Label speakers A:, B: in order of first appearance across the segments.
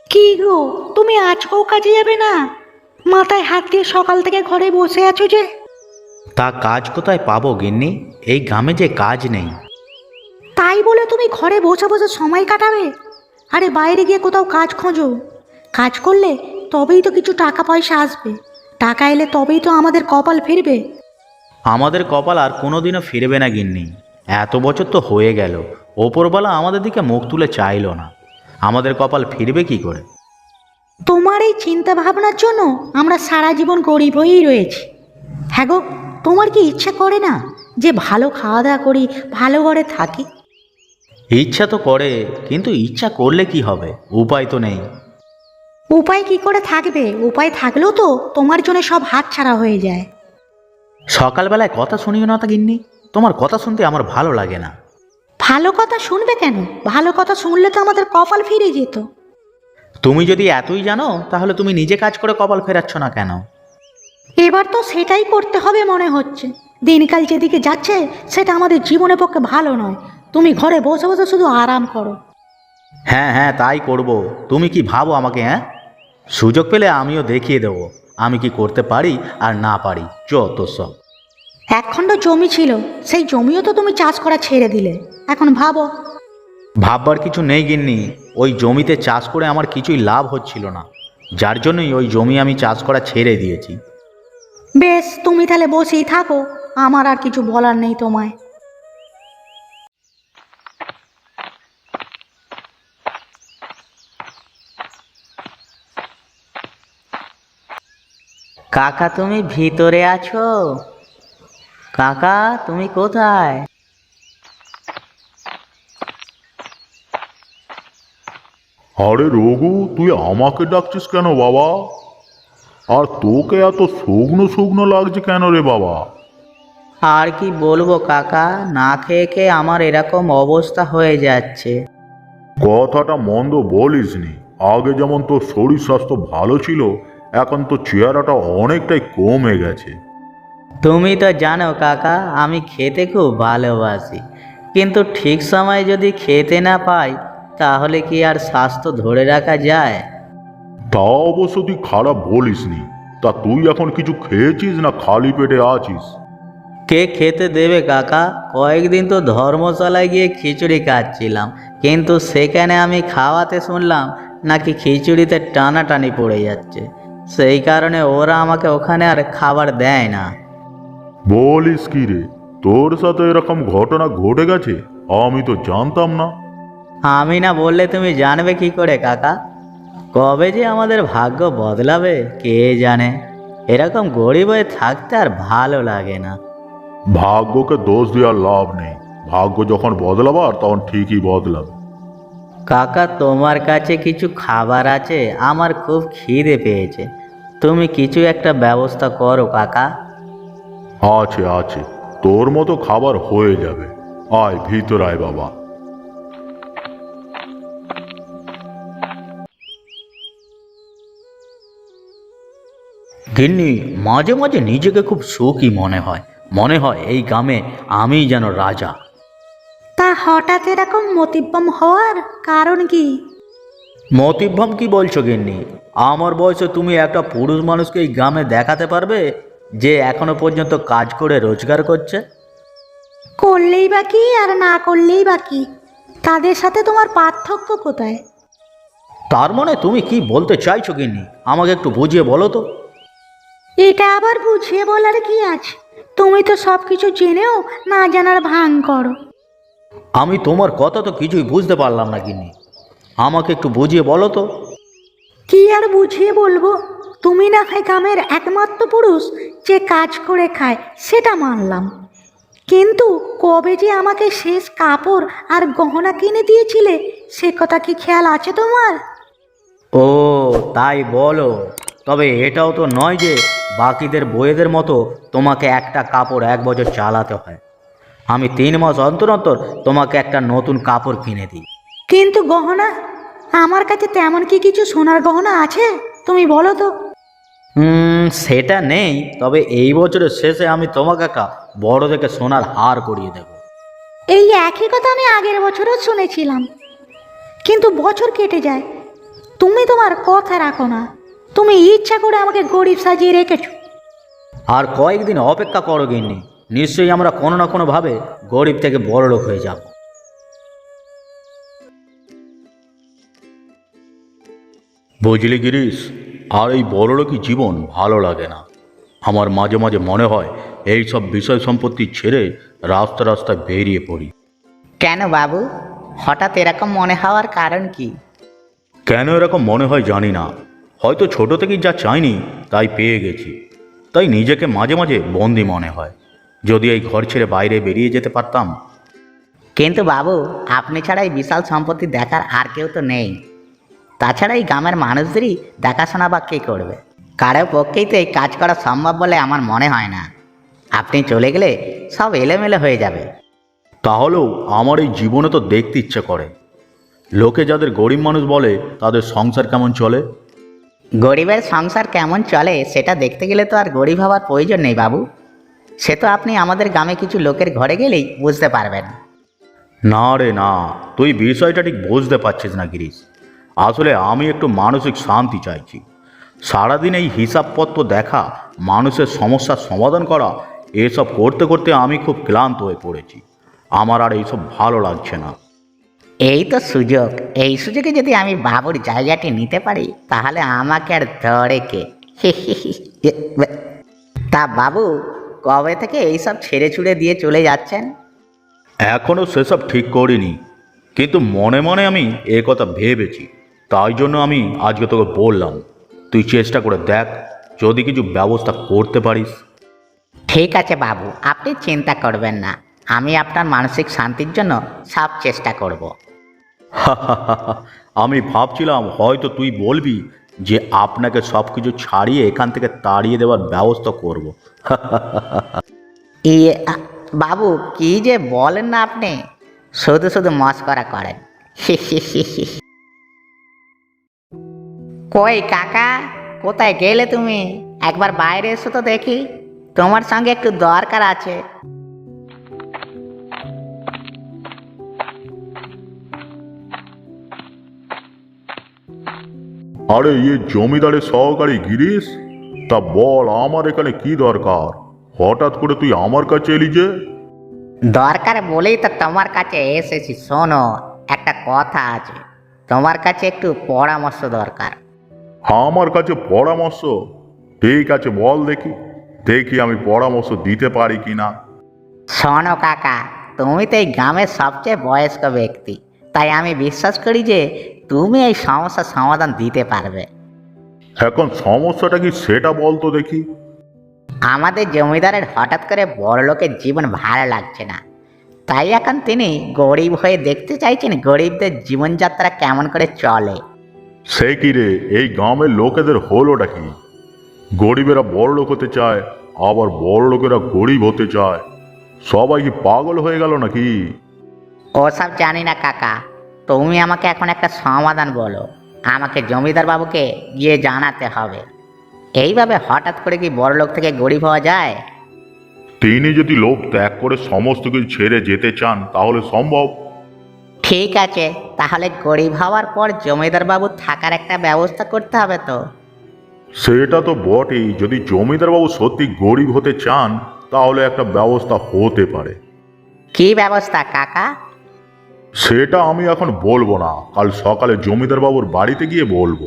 A: কি গো, তুমি আজকেও কাজে যাবে না? মাথায় হাত দিয়ে সকাল থেকে ঘরে বসে আছো যে।
B: তা কাজ কোথায় পাবো গিন্নি? এই গ্রামে যে কাজ নেই।
A: তাই বলে তুমি ঘরে বসে বসে সময় কাটাবে? আরে বাইরে গিয়ে কোথাও কাজ খোঁজো। কাজ করলে তবেই তো কিছু টাকা পয়সা আসবে। টাকা এলে তবেই তো আমাদের কপাল ফিরবে।
B: আমাদের কপাল আর কোনোদিনও ফিরবে না গিন্নি। এত বছর তো হয়ে গেল, ওপরওয়ালা আমাদের দিকে মুখ তুলে চাইলো না। আমাদের কপাল ফিরবে কি করে?
A: তোমার এই চিন্তা ভাবনার জন্য আমরা সারা জীবন গরিব হয়েই রয়েছি। হ্যাঁ গো, তোমার কি ইচ্ছা করে না যে ভালো খাওয়া দাওয়া করি, ভালো ঘরে থাকি?
B: ইচ্ছা তো করে, কিন্তু ইচ্ছা করলে কি হবে? উপায় তো নেই।
A: উপায় কি করে থাকবে? উপায় থাকলেও তো তোমার জন্য সব হাতছাড়া হয়ে যায়।
B: সকালবেলায় কথা শুনিও না তা গিন্নি। তোমার কথা শুনতে আমার ভালো লাগে না।
A: ভালো কথা শুনবে কেন? ভালো কথা শুনলে তো আমাদের কপাল ফিরে যেত।
B: তুমি যদি এতই জানো, তাহলে তুমি নিজে কাজ করে কপাল ফেরাচ্ছ না কেন?
A: এবার তো সেটাই করতে হবে মনে হচ্ছে। দিনকাল যেদিকে যাচ্ছে সেটা আমাদের জীবনের পক্ষে ভালো নয়। তুমি ঘরে বসে বসে শুধু আরাম করো।
B: হ্যাঁ হ্যাঁ, তাই করব। তুমি কি ভাবো আমাকে? হ্যাঁ, সুযোগ পেলে আমিও দেখিয়ে দেবো আমি কি করতে পারি আর না পারি। যত সব।
A: একখণ্ড জমি ছিল, সেই জমিও তো তুমি চাষ করা ছেড়ে দিলে। এখন ভাবো।
B: ভাববার কিছু নেই গিন্নি। ওই জমিতে চাষ করে আমার কিছুই লাভ হচ্ছিল না, যার জন্যই ওই জমি আমি চাষ করা ছেড়ে দিয়েছি।
A: বেশ, তুমি তাহলে বসেই থাকো। আমার আর কিছু বলার নেই তোমায়।
C: কাকা তুমি ভিতরে আছো? কাকা তুমি কোথায়?
D: আরে রঘু, তুই আমাকে ডাকছিস কেন বাবা? আর তোকে এত শুকনো শুকনো লাগছে কেন রে বাবা?
C: আর কি বলবো কাকা, না খেয়ে খেয়ে আমার এরকম অবস্থা হয়ে যাচ্ছে।
D: কথাটা মন্দ বলিসনি। আগে যেমন তোর শরীর স্বাস্থ্য ভালো ছিল, এখন তো চেহারাটা অনেকটাই কমে গেছে।
C: তুমি তো জানো কাকা, আমি খেতে খুব ভালোবাসি, কিন্তু ঠিক সময় যদি খেতে না পাই তাহলে কি আর স্বাস্থ্য ধরে রাখা যায়?
D: তা অবশ্য তুই খারাপ বলিসনি। তা তুই এখন কিছু খেয়েছিস না খালি পেটে আছিস?
C: কে খেতে দেবে কাকা? কয়েকদিন তো ধর্মশালায় গিয়ে খিচুড়ি খাচ্ছিলাম, কিন্তু সেখানে আমি খাওয়াতে শুনলাম নাকি খিচুড়িতে টানাটানি পড়ে যাচ্ছে। সেই কারণে ওরা আমাকে ওখানে আর খাবার দেয় না।
D: বলিস কি রে, তোর সাথে এরকম ঘটনা ঘটে গেছে? আমি তো জানতাম না।
C: আমি না বললে তুমি জানবে কি করে কাকা? কবে যে আমাদের ভাগ্য বদলাবে কে জানে। এরকম গরিব হয়ে থাকতে আর ভালো লাগে না।
D: ভাগ্যকে দোষ দেওয়ার লাভ নেই। ভাগ্য যখন বদলাবার তখন ঠিকই বদলাবে।
C: কাকা তোমার কাছে কিছু খাবার আছে? আমার খুব খিদে পেয়েছে, তুমি কিছু একটা ব্যবস্থা করো কাকা।
D: আছে আছে, তোর মতো খাবার হয়ে যাবে। আয় ভিতর আয় বাবা।
B: গিন্নি, মাঝে মাঝে নিজেকে খুব সুখী মনে হয়। মনে হয় এই গ্রামে আমিই যেন রাজা।
A: তা হঠাৎ এরকম মতিভ্রম হওয়ার কারণ কি?
B: মতিভ্রম কি বলছো গিন্নি? আমার বয়সে তুমি একটা পুরুষ মানুষকে এই গ্রামে দেখাতে পারবে যে এখনো পর্যন্ত কাজ করে রোজগার করছে?
A: করলেই বা কি আর না করলেই বা কি, তাদের সাথে তোমার পার্থক্য কোথায়?
B: তার মানে তুমি কি বলতে চাইছো গিন্নি? আমাকে একটু বুঝিয়ে বলো তো।
A: এটা আবার বুঝিয়ে বলার কি আছে? তুমি তো সব কিছু জেনেও না জানার ভান করো।
B: আমি তোমার কথা তো কিছুই বুঝতে পারলাম না গিন্নি। আমাকে একটু বুঝিয়ে বলো তো।
A: কি আর বুঝিয়ে বলবো? তুমি না হয় গ্রামের একমাত্র পুরুষ যে কাজ করে খায়, সেটা মানলাম। কিন্তু কবে যে আমাকে শেষ কাপড় আর গহনা কিনে দিয়েছিলে, সে কথা কি খেয়াল আছে তোমার?
B: ও, তাই বলো। তবে এটাও তো নয় যে বাকিদের বইয়েদের মতো তোমাকে একটা কাপড় 1 বছর চালাতে হয়। আমি 3 মাস অন্তর অন্তর তোমাকে একটা নতুন কাপড় কিনে দিই।
A: কিন্তু গহনা, আমার কাছে তেমন কি কিছু সোনার গহনা আছে? তুমি বলো তো।
B: সেটা নেই, তবে এই বছরের শেষে আমি তোমাকে একটা বড় দেখে সোনার হার করিয়ে দেব।
A: এই একই কথা আমি আগের বছরও শুনেছিলাম, কিন্তু বছর কেটে যায়, তুমি তোমার কথা রাখো না। তুমি ইচ্ছা করে আমাকে গরিব সাজিয়ে রেখেছো।
B: আর কয়েকদিন অপেক্ষা করো গিন্নি, নিশ্চয়ই আমরা কোনো না কোনোভাবে গরিব থেকে বড়লোক হয়ে যাব।
D: বুঝলি গিরিশ, আর এই বড়লোকই জীবন ভালো লাগে না। আমার মাঝে মাঝে মনে হয় এই সব বিষয় সম্পত্তি ছেড়ে রাস্তায় বেরিয়ে পড়ি।
C: কেন বাবু, হঠাৎ এরকম মনে হওয়ার কারণ কি?
D: কেন এরকম মনে হয় জানি না, হয়তো ছোট থেকেই যা চাইনি তাই পেয়ে গেছি, তাই নিজেকে মাঝে মাঝে বন্দি মনে হয়। যদি এই ঘর ছেড়ে বাইরে বেরিয়ে যেতে পারতাম।
C: কিন্তু বাবু, আপনি ছাড়া এই বিশাল সম্পত্তি দেখার আর কেউ তো নেই। তাছাড়া এই গ্রামের মানুষদেরই দেখাশোনা বা কে করবে? কারো পক্ষেই তো এই কাজ করা সম্ভব বলে আমার মনে হয় না। আপনি চলে গেলে সব এলোমেলো হয়ে যাবে।
D: তাহলেও আমার এই জীবনে তো দেখতে ইচ্ছে করে, লোকে যাদের গরিব মানুষ বলে তাদের সংসার কেমন চলে।
C: গরিবের সংসার কেমন চলে সেটা দেখতে গেলে তো আর গরিব হওয়ার প্রয়োজন নেই বাবু। সে তো আপনি আমাদের গ্রামে কিছু লোকের ঘরে গেলেই বুঝতে পারবেন।
D: না রে না, তুই বিষয়টা ঠিক বুঝতে পারছিস না গিরিশ। আসলে আমি একটু মানসিক শান্তি চাইছি। সারাদিন এই হিসাবপত্র দেখা, মানুষের সমস্যার সমাধান করা, এসব করতে করতে আমি খুব ক্লান্ত হয়ে পড়েছি। আমার আর এইসব ভালো লাগছে না।
C: এই তো সুযোগ। এই সুযোগে যদি আমি বাবুর জায়গাটি নিতে পারি তাহলে আমাকে আর ধরে কে? তা বাবু, কবে থেকে এইসব ছেড়ে ছুড়ে দিয়ে চলে যাচ্ছেন?
D: এখনও সেসব ঠিক করিনি, কিন্তু মনে মনে আমি এ কথা ভেবেছি। তাই জন্য আমি আজকে তোকে বললাম, তুই চেষ্টা করে দেখ যদি কিছু ব্যবস্থা করতে পারিস।
C: ঠিক আছে বাবু, আপনি চিন্তা করবেন না। আমি আপনার মানসিক শান্তির জন্য সব চেষ্টা করব।
D: আমি ভাবছিলাম হয়তো তুই বলবি যে আপনাকে সব কিছু ছাড়িয়ে এখান থেকে তাড়িয়ে দেওয়ার ব্যবস্থা করব।
C: বাবু, কি যে বলেন না আপনি, শুধু শুধু মস্করা করেন। কই কাকা, কোথায় গেলে তুমি? একবার বাইরে এসো তো দেখি, তোমার সঙ্গে একটু দরকার আছে।
D: আরে জমিদারের সহকারী গিরিশ, তা বল আমার এখানে কি দরকার? হঠাৎ করে তুই আমার কাছে এলি যে?
C: দরকার বলেই তো তোমার কাছে এসেছি। শোনো, একটা কথা আছে, তোমার কাছে একটু পরামর্শ দরকার।
D: আমার কাছে পরামর্শ? ঠিক আছে, বল দেখি দেখি আমি পরামর্শ দিতে পারি কি না।
C: শোনো কাকা, তুমি তো এই গ্রামের সবচেয়ে বয়স্ক ব্যক্তি, তাই আমি বিশ্বাস করি যে তুমি এই সমস্যার সমাধান দিতে পারবে।
D: এখন সমস্যাটা কি সেটা বল তো দেখি।
C: আমাদের জমিদারের হঠাৎ করে বড়লোকের জীবন ভালো লাগছে না, তাই এখন তিনি গরিব হয়ে দেখতে চাইছেন গরিবদের জীবনযাত্রা কেমন করে চলে।
D: সে কি রে, এই গ্রামের লোকেদের হলোটা কি? গরিবেরা বড় লোক হতে চায়, আবার বড় লোকেরা গরিব হতে চায়। সবাই কি পাগল হয়ে গেল নাকি?
C: ওসব জানি না কাকা, তুমি আমাকে এখন একটা সমাধান বলো। আমাকে জমিদার বাবুকে গিয়ে জানাতে হবে। এইভাবে হঠাৎ করে কি বড়লোক থেকে গরিব হওয়া যায়?
D: তিনি যদি লোক ত্যাগ করে সমস্ত কিছু ছেড়ে যেতে চান তাহলে সম্ভব।
C: ঠিক আছে, তাহলে গরিব হওয়ার পর জমিদার বাবু থাকার একটা ব্যবস্থা করতে হবে তো।
D: সেটা তো বটেই, যদি জমিদার বাবু সত্যি গরিব হতে চান তাহলে একটা ব্যবস্থা হতে পারে।
C: কি ব্যবস্থা কাকা?
D: সেটা আমি এখন বলবো না, কাল সকালে জমিদার বাবুর বাড়িতে গিয়ে বলবো।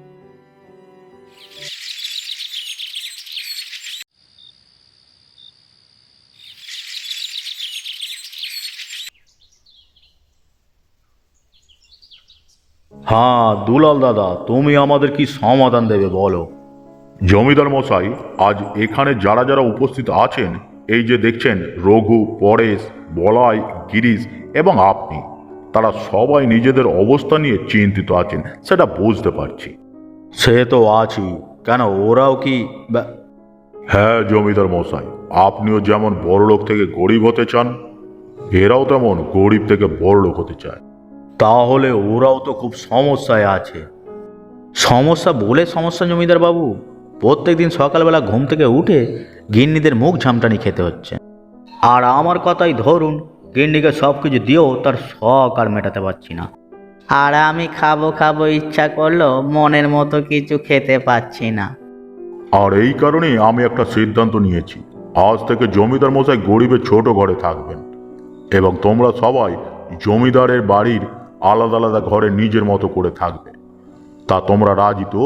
D: হ্যাঁ দুলাল দাদা, তুমি আমাদের কি সমাধান দেবে বলো। জমিদার মশাই, আজ এখানে যারা যারা উপস্থিত আছেন, এই যে দেখছেন রঘু, পরেশ, বলাই, গিরিশ এবং আপনি, তারা সবাই নিজেদের অবস্থা নিয়ে চিন্তিত আছেন, সেটা বুঝতে পারছি। সে তো আছি, কেন ওরাও কি? হ্যাঁ জমিদার মশাই, আপনিও যেমন বড়লোক থেকে গরিব হতে চান, এরাও তেমন গরিব থেকে বড়লোক হতে চায়। তাহলে ওরাও তো খুব সমস্যায় আছে।
B: সমস্যা বলে সমস্যা জমিদার বাবু, প্রত্যেক দিন সকালবেলা ঘুম থেকে উঠে গিন্নিদের মুখ ঝামটানি খেতে হচ্ছে। আর আমার কথাই ধরুন, গিন্নিকে সব কিছু দিয়েও তার শখ আর মেটাতে পারছি না।
C: আর আমি খাবো খাবো ইচ্ছা করলেও মনের মতো কিছু খেতে পাচ্ছি না।
D: আর এই কারণেই আমি একটা সিদ্ধান্ত নিয়েছি, আজ থেকে জমিদার মশাই গরিবের ছোট ঘরে থাকবেন এবং তোমরা সবাই জমিদারের বাড়ির আলাদা আলাদা ঘরে নিজের মতো করে থাকবে। তা তোমরা রাজি তো?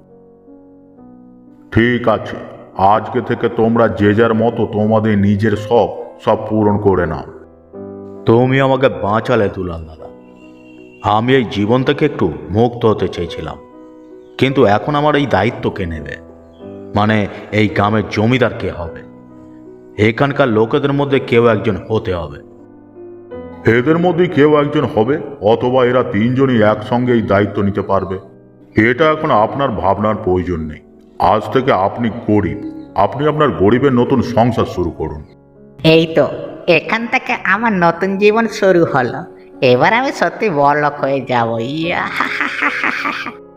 D: ঠিক আছে, আজকে থেকে তোমরা যে যার মতো তোমাদের নিজের শখ সব পূরণ করে নাও।
B: তুমি আমাকে বাঁচালে দুলাল দাদা। আমি এই জীবন থেকে একটু মুক্ত হতে চেয়েছিলাম, কিন্তু এখন আমার এই দায়িত্ব কে নেবে? মানে এই গ্রামের জমিদার কে হবে? এখানকার লোকেদের মধ্যে কেউ একজন হতে হবে।
D: এদের মধ্যে কেউ একজন হবে, অথবা এরা তিনজনই একসঙ্গে এই দায়িত্ব নিতে পারবে। এটা এখন আপনার ভাবনার প্রয়োজন নেই। আজ থেকে আপনি গরিব, আপনি আপনার গরিবের নতুন সংসার শুরু করুন।
E: এই তো, এখান থেকে আমার নতুন জীবন শুরু হলো। এবার আমি সত্যি বড়লোক হয়ে যাবো। ইয়া